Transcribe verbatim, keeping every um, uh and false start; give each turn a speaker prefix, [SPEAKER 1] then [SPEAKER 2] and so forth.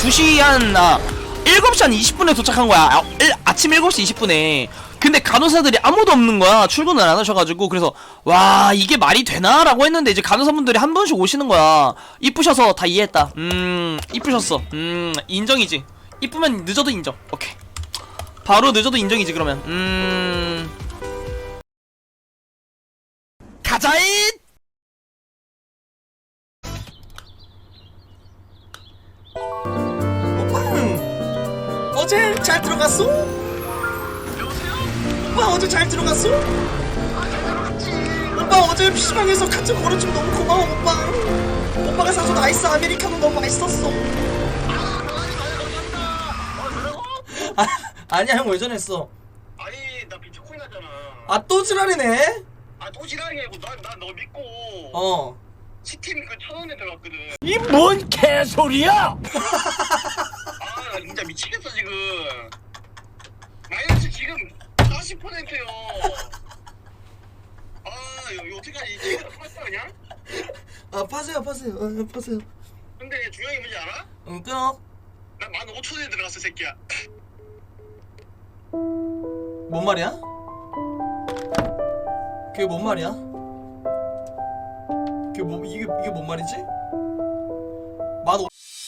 [SPEAKER 1] 두 시 한 아, 일곱 시 한 이십 분에 도착한 거야. 아, 일, 아침 일곱 시 이십 분에. 근데 간호사들이 아무도 없는 거야. 출근을 안 하셔가지고. 그래서 와 이게 말이 되나? 라고 했는데 이제 간호사분들이 한 분씩 오시는 거야. 이쁘셔서 다 이해했다. 음 이쁘셨어. 음 인정이지. 이쁘면 늦어도 인정. 오케이. 바로 늦어도 인정이지 그러면. 음 가자잇.
[SPEAKER 2] 오빠 어제 잘 들어갔어? 오빠 어제 잘 들어갔어? 오빠 어제 피시방에서 같이 걸어주면 너무 고마워 오빠. 오빠가 사준 아이스 아메리카노 너무 맛있었어. 아, 아니야 형 왜 전했어?
[SPEAKER 3] 아니 나 비트코인 하잖아.
[SPEAKER 2] 아 또 지랄이네?
[SPEAKER 3] 아 또 지랄이 아니고 난난너 믿고
[SPEAKER 2] 어
[SPEAKER 3] 시팀 그 천 원에 들어갔거든.
[SPEAKER 1] 이 뭔 개소리야?
[SPEAKER 3] 아 나 진짜 미치겠어 지금. 마이너스 지금 사십 퍼센트요. 아 이거, 이거 어떡하지? 지금 팔았어 그냥?
[SPEAKER 2] 아 파세요 파세요 어, 파세요.
[SPEAKER 3] 근데 중요한 게 뭔지 알아?
[SPEAKER 2] 응 끊어.
[SPEAKER 3] 나 만 오천 원에 들어갔어 새끼야.
[SPEAKER 2] 뭔 말이야? 그게 뭔 말이야? 그게 뭐 이게 이게 뭔 말이지? 만 오...